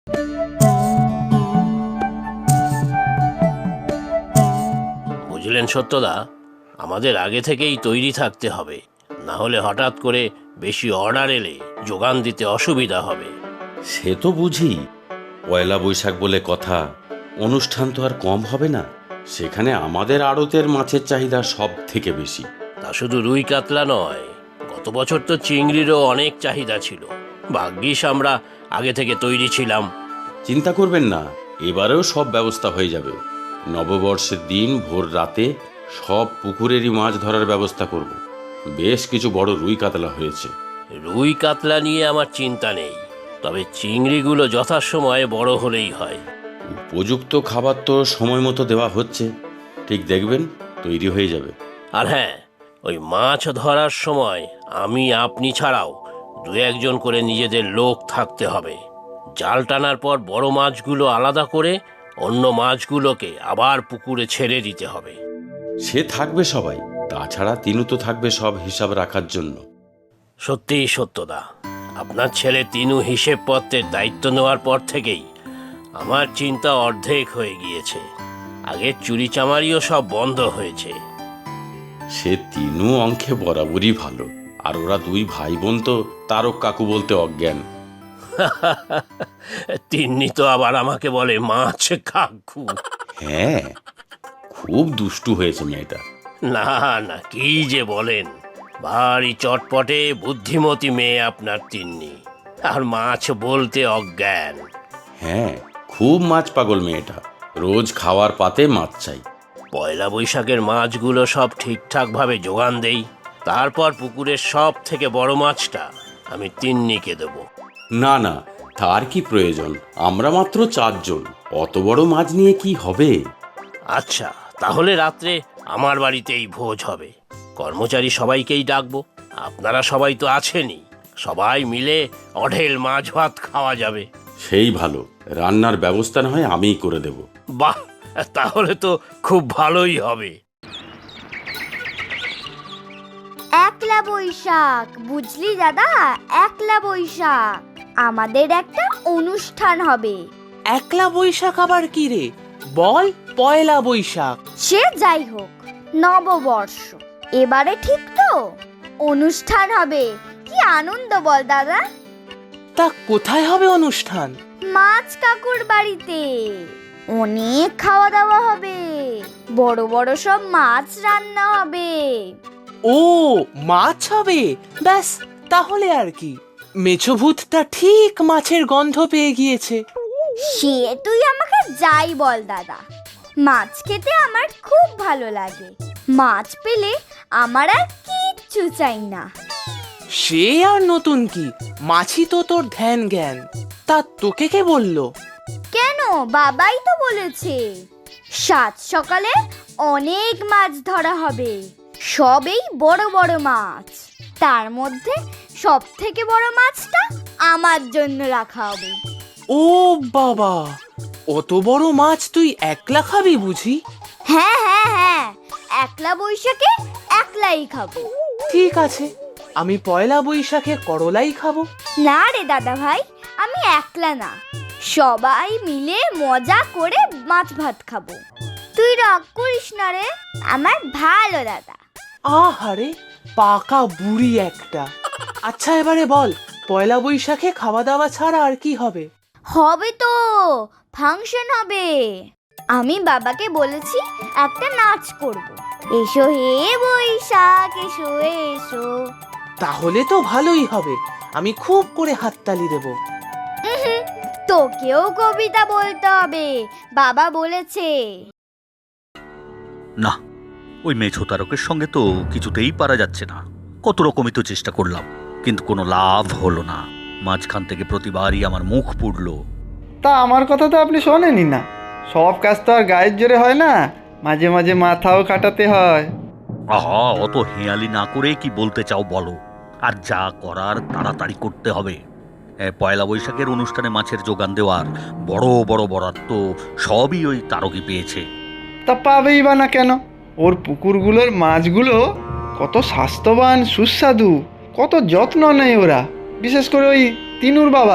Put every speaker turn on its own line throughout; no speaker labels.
বুঝলেন সত্যদা, আমাদের আগে থেকেই তৈরি থাকতে হবে, না হলে হঠাৎ করে বেশি অর্ডার এলে যোগান দিতে অসুবিধা হবে।
সে তো বুঝি, পয়লা বৈশাখ বলে কথা, অনুষ্ঠান তো আর কম হবে না। সেখানে আমাদের আড়তের মাছের চাহিদা সব থেকে বেশি।
তা শুধু রুই কাতলা নয়, গত বছর তো চিংড়িরও অনেক চাহিদা ছিল। ভাগ্যিস আমরা আগে থেকে তৈরি ছিলাম।
চিন্তা করবেন না, এবারেও সব ব্যবস্থা হয়ে যাবে। নববর্ষের দিন ভোর রাতে সব পুকুরেরই মাছ ধরার ব্যবস্থা করব। বেশ কিছু বড় রুই কাতলা হয়েছে।
রুই কাতলা নিয়ে আমার চিন্তা নেই, তবে চিংড়িগুলো যথাসময়ে বড় হলেই হয়।
উপযুক্ত খাবার তো সময় মতো দেওয়া হচ্ছে, ঠিক দেখবেন তৈরি হয়ে যাবে।
আর হ্যাঁ, ওই মাছ ধরার সময় আমি আপনি ছাড়াও দু একজন করে নিজেদের লোক থাকতে হবে। জাল টানার পর বড় মাছগুলো আলাদা করে অন্য মাছগুলোকে আবার পুকুরে ছেড়ে দিতে হবে।
সে থাকবে সবাই, তাছাড়া তিনু তো থাকবে সব হিসাব রাখার জন্য।
সত্যিই সত্যদা, আপনার ছেলে তিনু হিসেবপত্রের দায়িত্ব নেওয়ার পর থেকেই আমার চিন্তা অর্ধেক হয়ে গিয়েছে। আগের চুরি চামারিও সব বন্ধ হয়েছে।
সে তিনু অঙ্কে বরাবরই ভালো, আর ওরা দুই ভাই বোন তো তারক কাকু বলতে অজ্ঞান।
তিন্নি তো আবার আমাকে বলে মাছ কাকু।
হ্যাঁ, খুব দুষ্টু হয়েছে মেয়েটা।
না না, কি যে বলেন, ভারী চটপটে বুদ্ধিমতী মেয়ে আপনার তিন্নি, আর মাছ বলতে অজ্ঞান।
হ্যাঁ, খুব মাছ পাগল মেয়েটা, রোজ খাওয়ার পাতে মাছ চাই।
পয়লা বৈশাখের মাছগুলো সব ঠিকঠাকভাবে যোগান দেই, তারপর পুকুরের সব থেকে বড় মাছটা আমি তিন্নিকে দেব।
না না, তার কি প্রয়োজন, আমরা মাত্র 4 জন, অত বড় মাছ নিয়ে কি হবে?
আচ্ছা, তাহলে রাত্রে আমার বাড়িতেই ভোজ হবে। কর্মচারী সবাইকেই ডাকবো, আপনারা সবাই তো আছেনই, সবাই মিলে অঢেল মাছ ভাত খাওয়া যাবে।
সেই ভালো, রান্নার ব্যবস্থা না হয় আমিই করে দেব।
বাহ, তাহলে তো খুব ভালোই হবে।
একলা বৈশাখ, বুঝলি দাদা, একলা বৈশাখ আমাদের একটা অনুষ্ঠান হবে।
একলা বৈশাখ আবার কি রে? বল, পয়লা বৈশাখ।
সে যাই হোক, নববর্ষ এবারে ঠিক তো? অনুষ্ঠান হবে, কি আনন্দ বল দাদা।
তা কোথায় হবে অনুষ্ঠান?
মাছ কাকুর বাড়িতে অনেক খাওয়া দাওয়া হবে, বড় বড় সব মাছ রান্না হবে।
ও, মাছ হবে? ব্যাস, তাহলে আর কি। মেছো ভূতটা ঠিক মাছের গন্ধ পেয়ে গিয়েছে।
সে তুই আমাকে যাই বল দাদা, মাছ খেতে আমার খুব ভালো লাগে। মাছ পেলে আমার আর কিচ্ছু চাই না।
সে আর নতুন কি, মাছি তো তোর ধ্যান জ্ঞান। তা তোকে কে বললো?
কেন, বাবাই তো বলেছে সাত সকালে অনেক মাছ ধরা হবে, সবেই বড় বড় মাছ। তার মধ্যে সব থেকে বড় মাছটা আমার জন্য রাখা হবে।
ও বাবা, অত বড় মাছ তুই একলা খাবি বুঝি?
হ্যাঁ হ্যাঁ হ্যাঁ, একলা বৈশাখে একলাই খাবো।
ঠিক আছে, আমি পয়লা বৈশাখে করলাই খাবো।
না রে দাদা ভাই, আমি একলা না, সবাই মিলে মজা করে মাছ ভাত খাবো। তুই রাগ করিস না রে আমার ভালো দাদা।
আহারে, পাকা বুড়ি একটা। আচ্ছা, এবারে বল, পয়লা বৈশাখে খাওয়া দাওয়া ছাড়া আর কি হবে?
হবে তো, ফাংশন হবে। আমি বাবাকে বলেছি একটা নাচ করব। এসো হে বৈশাখ এসো এসো।
তাহলে তো ভালোই হবে, আমি খুব করে হাততালি দেব।
তোকেও কবিতা বলতে হবে, বাবা বলেছে।
না, ওই মেছো তারকের সঙ্গে তো কিছুতেই পারা যাচ্ছে না। কত রকমই তো চেষ্টা করলাম, কিন্তু কোনো লাভ হলো না। মাঝখান থেকে প্রতিবারই আমার মুখ পুড়ল।
তা আমার কথা তো আপনি শোনেনি না, সব কাজ তো আর গায়ের জোরে হয় না, মাঝে মাঝে মাথাও খাটাতে হয়।
আহা, অত হেয়ালি না করে কি বলতে চাও বলো, আর যা করার তাড়াতাড়ি করতে হবে। পয়লা বৈশাখের অনুষ্ঠানে মাছের যোগান দেওয়ার বড় বড় বরাদ্দ সবই ওই তারকই পেয়েছে।
তা পাবেই বা না কেন? ওর পুকুরগুলোর মাছগুলো কত স্বাস্থ্যবান, সুস্বাদু, কত যত্ন নেয় ওরা। বিশেষ করে ওই তিনুর বাবা,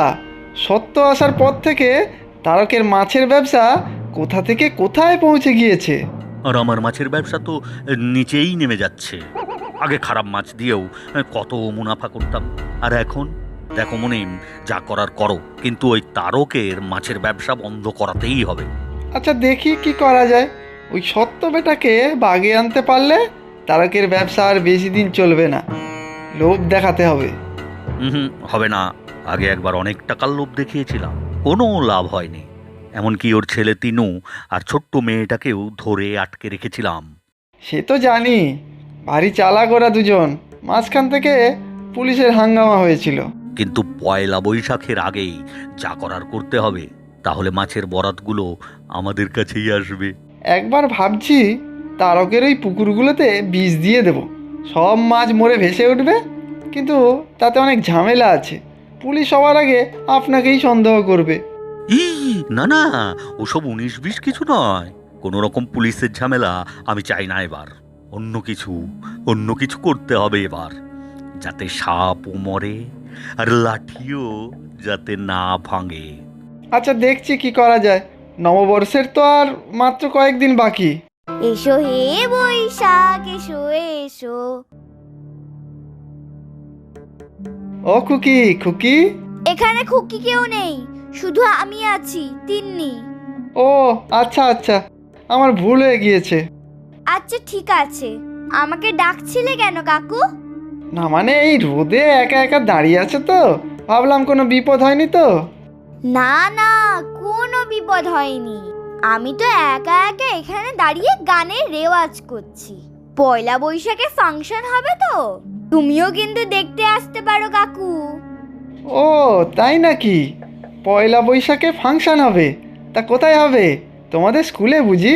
সত্য আসার পর থেকে তারকের মাছের ব্যবসা কোথা থেকে কোথায় পৌঁছে গিয়েছে।
আর আমার মাছের ব্যবসা তো নিচেই নেমে যাচ্ছে। আগে খারাপ মাছ দিয়েও কত মুনাফা করতাম, আর এখন দেখো মনিম, যা করার করো, কিন্তু ওই তারকের মাছের ব্যবসা বন্ধ করাতেই হবে।
আচ্ছা দেখি কি করা যায়। ওই সত্য বেটাকে বাগে আনতে পারলে তারকের ব্যবসা আর বেশি দিন চলবে না। লোভ দেখাতে হবে।
হুম, হবে না। আগে একবার অনেক টাকার লোভ দেখিয়েছিলাম, কোনো লাভ হয়নি। এমনকি ওর ছেলে তিনু আর ছোট্ট মেয়েটাকেও ধরে আটকে রেখেছিলাম।
সে তো জানি, ভারী চালাক ওরা দুজন। মাঝখান থেকে পুলিশের হাঙ্গামা হয়েছিল।
কিন্তু পয়লা বৈশাখের আগেই যা করার করতে হবে, তাহলে মাছের বরাতগুলো আমাদের কাছেই আসবে।
একবার ভাবছি তারকের ওই পুকুরগুলোতে বিষ দিয়ে দেব, সব মাছ মরে ভেসে উঠবে। কিন্তু তাতে অনেক ঝামেলা আছে। পুলিশ সবার আগে আপনাকেই সন্দেহ করবে।
ই না না, ওসব 19-20 কিছু নয়। কোনো রকম পুলিশের ঝামেলা আমি চাই না এবার। অন্য কিছু করতে হবে এবার, যাতে সাপও মরে আর লাঠিও যাতে না ভাঙে।
আচ্ছা দেখছি কি করা যায়। নববর্ষের তো আর মাত্র কয়েকদিন বাকি।
এসো হে বৈশাখ এসো এসো।
ও খুকি, খুকি।
এখানে খুকি কেউ নেই, শুধু আমি আছি, তিন্নি।
ও আচ্ছা আচ্ছা, আমার ভুল হয়ে গিয়েছে।
আচ্ছা ঠিক আছে, আমাকে ডাকছিলে কেন কাকু?
না মানে এই রোদে একা একা দাঁড়িয়ে আছে তো, ভাবলাম কোনো বিপদ হয়নি তো।
না না, কোনো বিপদ হয়নি। আমি তো একা একা এখানে দাঁড়িয়ে গানের রেওয়াজ করছি। পয়লা বৈশাখে ফাংশন হবে তো, তুমিও কিন্তু দেখতে আসতে পারো কাকু।
ও তাই নাকি? পয়লা বৈশাখে ফাংশন হবে? তা কোথায় হবে? তোমাদের স্কুলে বুঝি?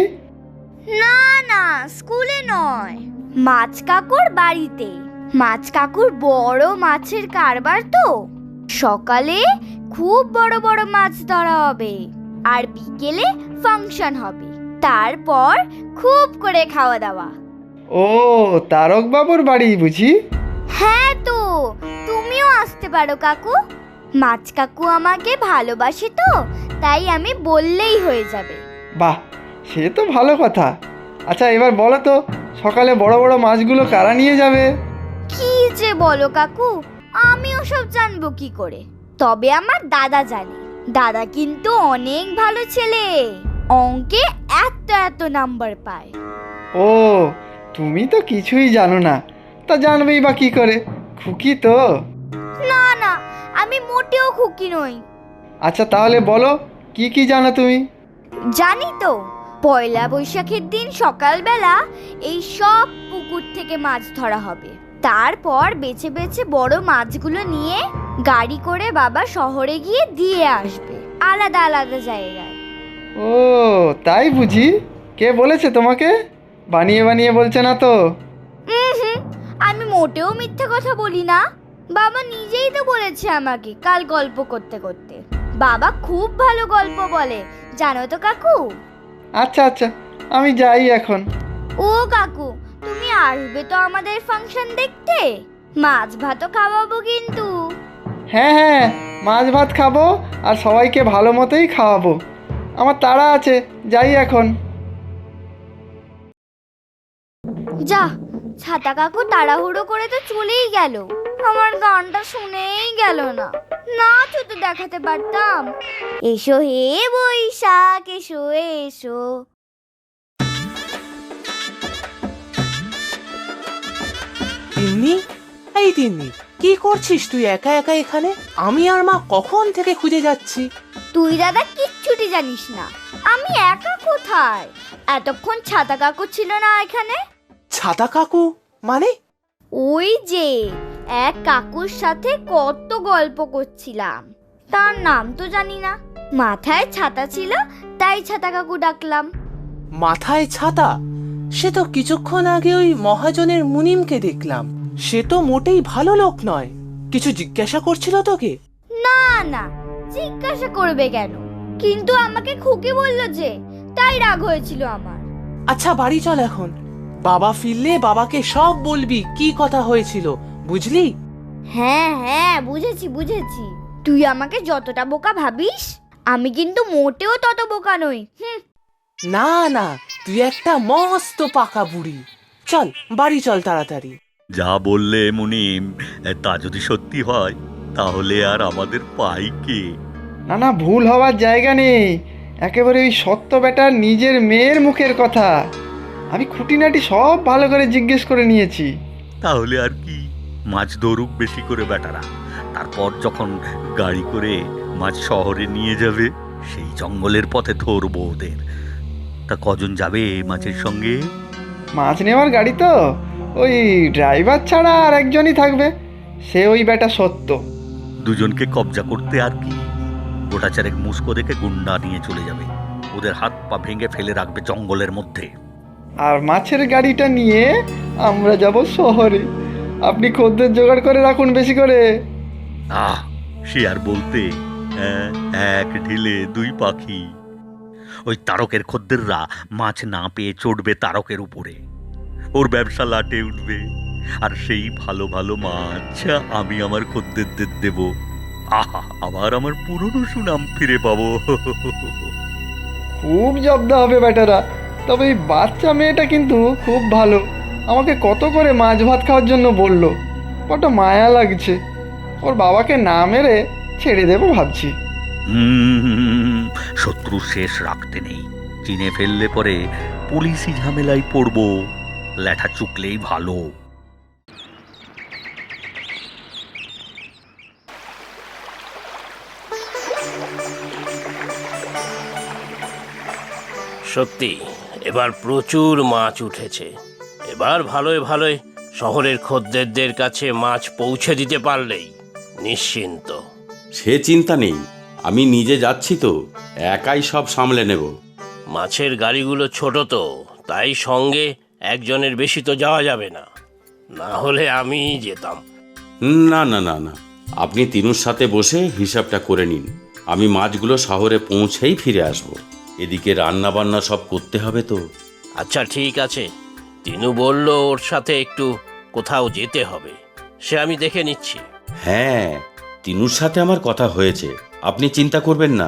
না না, স্কুলে নয়, মাছ কাকুর বাড়িতে। মাছ কাকুর বড় মাছের কারবার তো। সকালে খুব বড় বড় মাছ ধরা হবে, আর বিকেলে ফাংশন হবে। তারপর খুব করে খাওয়া দাওয়া।
ও তারক বাবুর বাড়ি বুঝি?
হ্যাঁ তো, তুমিও আসতে পারো কাকু। মাছ কাকু আমাকে ভালোবাসে তো, তাই আমি বললেই হয়ে যাবে।
বাহ, সে তো ভালো কথা। আচ্ছা এবার বলো তো, সকালে বড় বড় মাছগুলো কারা নিয়ে যাবে?
কি যে বলো কাকু, আমি ওসব জানবো কি করে? তবে আমার দাদা জানে। দাদা কিন্তু অনেক ভালো ছেলে, অঙ্কে এত এত নাম্বার পায়।
ও তুমি তো কিছুই জানো না, তা জানবেই বা কি করে? খুকি তো।
না না, আমি মোটেও খুকি নই।
আচ্ছা তাহলে বলো, কি কি জানো তুমি?
জানি তো, পয়লা বৈশাখের দিন সকালবেলা এই সব পুকুর থেকে মাছ ধরা হবে। তারপর বেছে বেছে বড় মাছগুলো নিয়ে গাড়ি করে বাবা শহরে গিয়ে দিয়ে আসবে, আলাদা আলাদা জায়গায়।
ও তাই বুঝি? কে বলেছে তোমাকে? বানিয়ে বানিয়ে বলছে না তো?
হুম, আমি মোটেও মিথ্যে কথা বলি না। বাবা নিজেই তো বলেছে আমাকে কাল গল্প করতে করতে। বাবা খুব ভালো গল্প বলে, জানো তো কাকু।
আচ্ছা আচ্ছা, আমি যাই এখন।
ও কাকু, তুমি আসবে তো আমাদের ফাংশন দেখতে? মাছ ভাতও খাওয়াবো কিন্তু।
হ্যাঁ হ্যাঁ, মাছ ভাত খাবো আর সবাইকে ভালো মতোই খাওয়াবো। আমার তাড়া আছে, যাই এখন।
যা, ছাতা কাকু তাড়াহুড়ো করে তো চলেই গেল। আমার গানটা শুনেই গেল না, নাচও তো দেখাতে পারতাম। এসো হে বৈশাখ এসো এসো।
তিন্নি, এই তিন্নি, কি করছিস তুই একা একা এখানে? আমি আর মা কখন থেকে খুঁজে যাচ্ছি।
তুই দাদা কিচ্ছুটি জানিস না। আমি একা কোথায়? এতক্ষণ ছাতা কাকু ছিল না এখানে।
ছাতা কাকু মানে?
ওই যে এক কাকুর সাথে কত গল্প করছিলাম, তার নাম তো জানি না। মাথায় ছাতা ছিল, তাই ছাতা কাকু ডাকলাম।
মাথায় ছাতা? সে তো কিছুক্ষণ আগে ওই মহাজনের মুনিমকে দেখলাম। সে তো মোটেই ভালো লোক নয়। কিছু জিজ্ঞাসা করছিল তোকে?
না না, জিজ্ঞাসা করবে কেন? কিন্তু আমাকে খুকি বলল যে, তাই রাগ হয়েছিল আমার।
আচ্ছা বাড়ি চল এখন। বাবা ফিরলে বাবাকে সব বলবি কি কথা হয়েছিল, বুঝলি?
হ্যাঁ হ্যাঁ, বুঝেছি বুঝেছি। তুই আমাকে যতটা বোকা ভাবিস, আমি কিন্তু মোটেও তত বোকা নই।
না না, তুই একটা মস্ত পাকা বুড়ি। চল বাড়ি চল তাড়াতাড়ি।
যা বললে মুনিম, তা যদি সত্যি হয় তাহলে আর আমাদের পাই কে?
না না, ভুল হওয়ার জায়গা নেই। একেবারে ওই সত্য বেটার নিজের মেয়ের মুখের কথা। আমি খুঁটিনাটি সব ভালো করে জিজ্ঞেস করে নিয়েছি।
তাহলে আর কি, মাছ ধরুক বেশি করে বেটারা, তারপর যখন গাড়ি করে মাছ শহরে নিয়ে যাবে সেই জঙ্গলের পথে ধরবো ওদের। তা কজন যাবে মাছের সঙ্গে?
মাছ নেওয়ার গাড়ি তো ওই ড্রাইভার ছাড়া আর একজনই থাকবে, সে ওই বেটা সত্য।
দুজনকে কবজা করতে আর কি, গোটা চারেক মুস্কো দেখে গুন্ডা নিয়ে চলে যাবে, ওদের হাত পা ভেঙে ফেলে রাখবে জঙ্গলের মধ্যে।
আর মাছের গাড়িটা নিয়ে আমরা যাব শহরে। আপনি খদ্দের জোগাড় করে রাখুন বেশি করে।
আহ, সে আর বলতে, এক ঢিলে দুই পাখি। ওই তারকের খদ্দেররা মাছ না পেয়ে চড়বে তারকের উপরে, ওর ব্যবসা লাটে উঠবে, আর সেই ভালো ভালো মাছ আমি আমার খদ্দেরদের দেব। আহা, আবার আমার পুরনো সুনাম ফিরে পাবো।
খুব জব্দ হবে বেটারা। তবে এই বাচ্চা মেয়েটা কিন্তু খুব ভালো, আমাকে কত করে মাছ ভাত খাওয়ার জন্য বললো। কত মায়া লাগছে। ওর বাবাকে না মেরে ছেড়ে দেবো ভাবছি।
শত্রু শেষ রাখতে নেই, চিনে ফেললে পরে পুলিশি ঝামেলায় পড়বো, ল্যাঠা চুকলেই ভালো।
সত্যি এবার প্রচুর মাছ উঠেছে। এবার ভালোই ভালোই শহরের খদ্দেরদের কাছে মাছ পৌঁছে দিতে পারলেই নিশ্চিন্ত।
সে চিন্তা নেই, আমি নিজে যাচ্ছি তো, একাই সব সামলে নেব।
মাছের গাড়িগুলো ছোট তো, তাই সঙ্গে একজনের বেশি তো যাওয়া যাবে না, না হলে আমিই যেতাম।
না না না না, আপনি তিনুর সাথে বসে হিসাবটা করে নিন। আমি মাছগুলো শহরে পৌঁছেই ফিরে আসব। এদিকে রান্না বান্না সব করতে হবে তো।
আচ্ছা ঠিক আছে, তিনু বলল ওর সাথে একটু কোথাও যেতে হবে, সে আমি দেখে নিচ্ছি।
হ্যাঁ, তিনুর সাথে আমার কথা হয়েছে, আপনি চিন্তা করবেন না।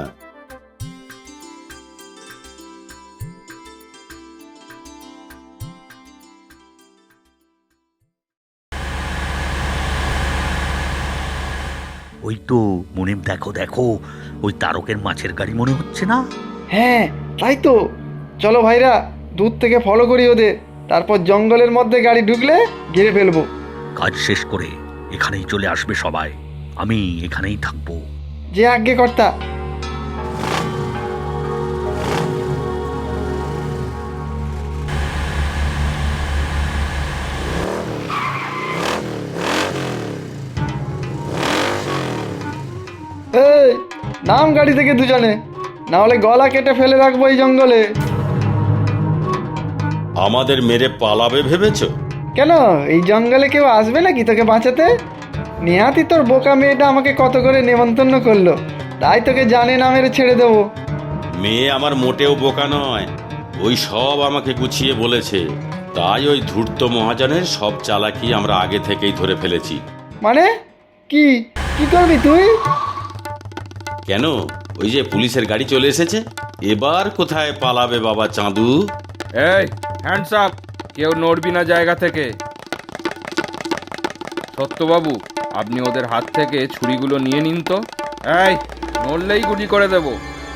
ওই তো মুনিম, দেখো দেখো, ওই তারকের মাছের গাড়ি মনে হচ্ছে না?
হ্যাঁ তাই তো। চলো ভাইরা, দূর থেকে ফলো করি ওদের, তারপর জঙ্গলের মধ্যে গাড়ি ঢুকলে ঘিরে ফেলবো।
কাজ শেষ করে এখানেই চলে আসবে সবাই, আমি এখানেই থাকবো।
যে আজ্ঞে কর্তা। এই নাম গাড়ি থেকে দুজনে, না হলে গলা কেটে ফেলে রাখবো এই জঙ্গলে।
আমাদের মেরে পালাবে ভেবেছ?
কেন, এই জঙ্গলে কেউ আসবে নাকি তোকে বাঁচাতে? নেহাতি তোর বোকা মেয়েটা আমাকে কত করে নেমন্তন্ন করলো, তাই তোকে জানে না মেরে ছেড়ে দেবো।
মেয়ে আমার মোটেও বোকা নয়, ওই সব আমাকে গুছিয়ে বলেছে। তাই ওই ধূর্ত মহাজনের সব চালাকি আমরা আগে থেকেই ধরে ফেলেছি।
মানে কি কি করবি তুই?
কেন, ওই যে পুলিশের গাড়ি চলে এসেছে, এবার কোথায় পালাবে বাবা চাঁদু?
এই হ্যান্ডস আপ, কেউ নড়বি না জায়গা থেকে। সত্যবাবু, আপনি ওদের হাত থেকে ছুরিগুলো নিয়ে নিন তো। এই, নড়লেই গুলি করে দেব।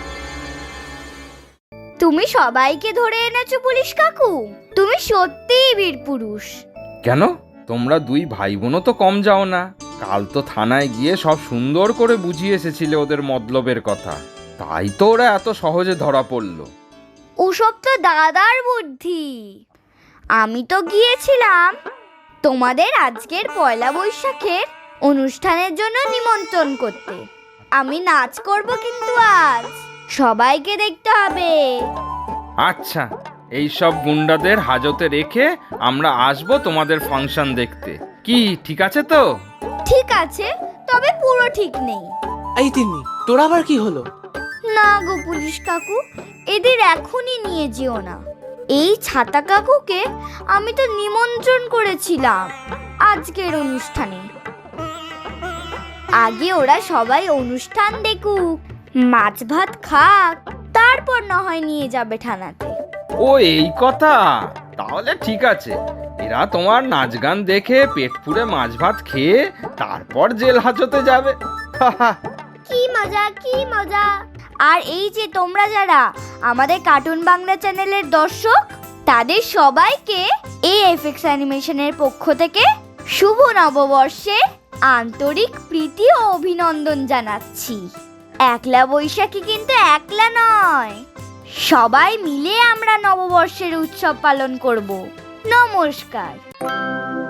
তুমি সবাইকে ধরে এনেছো পুলিশ কাকু, তুমি সত্যিই বীর পুরুষ।
কেন, তোমরা দুই ভাই বোনও তো কম যাও না। কাল তো থানায় গিয়ে সব সুন্দর করে বুঝিয়ে এসেছিলে ওদের মতলবের কথা, তাই তো ওরা এত সহজে ধরা পড়লো।
ওসব তো দাদার বুদ্ধি। আমি তো গিয়েছিলাম তোমাদের আজকের পয়লা বৈশাখের অনুষ্ঠানের জন্য নিমন্ত্রণ করতে। আমি নাচ করব কিন্তু আজ, সবাইকে দেখতে হবে।
আচ্ছা, এই সব গুন্ডাদের হাজতে রেখে আমরা আসবো তোমাদের ফাংশন দেখতে। কি ঠিক আছে তো?
ঠিক আছে, তবে পুরো ঠিক নেই।
এই তিন্নি, তোর আবার কি হলো?
না গো পুলিশ কাকু, এদের এখনই নিয়ে যেও না। এই ছাতা কাকুকে আমি তো নিমন্ত্রণ করেছিলাম আজকের অনুষ্ঠানে। আগে ওরা সবাই অনুষ্ঠান দেখুক, মাছ ভাত খাক, তারপর না হয় নিয়ে যাবে থানাতে।
ও এই কথা, তাহলে ঠিক আছে। এরা তোমার নাচ গান দেখে পেট পুড়ে মাছ ভাত খেয়ে তারপর জেল হাজতে যাবে।
কি মজা, কি মজা। আর এই যে তোমরা যারা আমাদের কার্টুন বাংলা চ্যানেলের দর্শক, তাদের সবাইকে এএফএক্স অ্যানিমেশনের পক্ষ থেকে শুভ নববর্ষের আন্তরিক প্রীতি ও অভিনন্দন জানাচ্ছি। একলা বৈশাখী কিন্তু একলা নয়, সবাই মিলে আমরা নববর্ষের উৎসব পালন করব। নমস্কার।